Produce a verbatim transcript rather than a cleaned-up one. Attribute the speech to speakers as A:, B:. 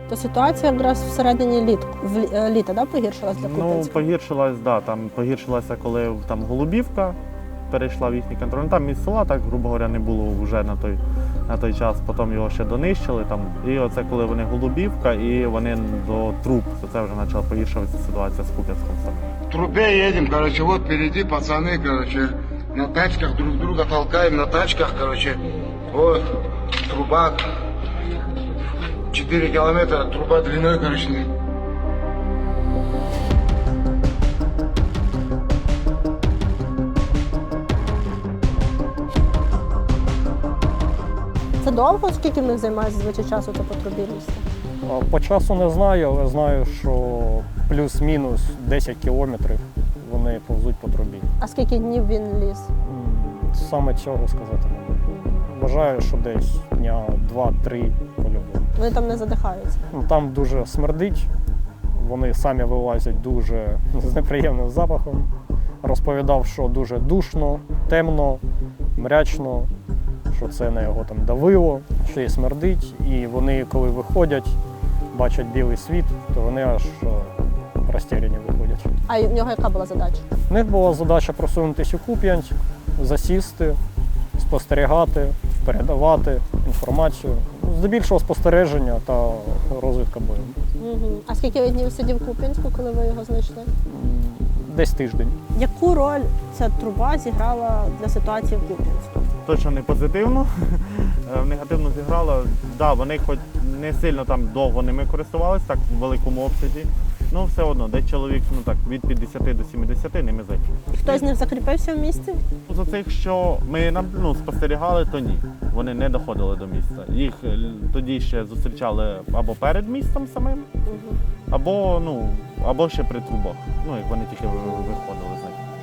A: То ситуація якраз всередині літ, в лі- е, літа да, погіршилась для
B: Ну,
A: Куп'янська?
B: погіршилась, да, там погіршилася, коли там Голубівка перейшла в їхній контроль. Ну, там із села, так, грубо говоря, не було вже на той, на той час, потім його ще донищили. Там. І оце коли вони Голубівка, і вони до труб, то це вже почала погіршуватися ситуація з Куп'янськом самим.
C: В трубе едем, короче, вот впереди пацаны, короче, на тачках друг друга толкаем, на тачках, короче, вот, труба, четыре километра, труба длиной, короче.
A: Це довго? Скільки в них займає зазвичай часу це по трубі лізти?
D: А По часу не знаю, але знаю, що плюс-мінус десять кілометрів вони повзуть по трубі.
A: А скільки днів він ліз?
D: М, Саме цього сказати не можу. Вважаю, що десь дня два-три по-любому.
A: Вони там не задихаються.
D: Ну, Там дуже смердить, вони самі вилазять дуже з неприємним запахом. Розповідав, що дуже душно, темно, мрячно, що це на його там давило, що і смердить. І вони, коли виходять, бачать білий світ, то вони аж е, розтеряні виходять.
A: А в нього яка була задача?
D: У них була задача просунутися у Куп'янськ, засісти, спостерігати, передавати інформацію. Здебільшого спостереження та розвідка бою.
A: Угу. А скільки ви днів сидів в Куп'янську, коли ви його знайшли?
D: М, Десь тиждень.
A: Яку роль ця труба зіграла для ситуації в Куп'янську?
B: Точно не позитивно, е, негативно зіграло. Да, вони хоч не сильно там довго ними користувалися, так в великому обсязі. Ну все одно, десь чоловік ну, так, від п'ятдесяти до сімдесяти ними зайшов.
A: Хтось з них закріпився в місті?
B: За цих, що ми ну, спостерігали, то ні. Вони не доходили до міста. Їх е, тоді ще зустрічали або перед містом самим,
A: Угу.
B: або, ну, або ще при трубах. Ну, як вони тільки ви- виходили з них.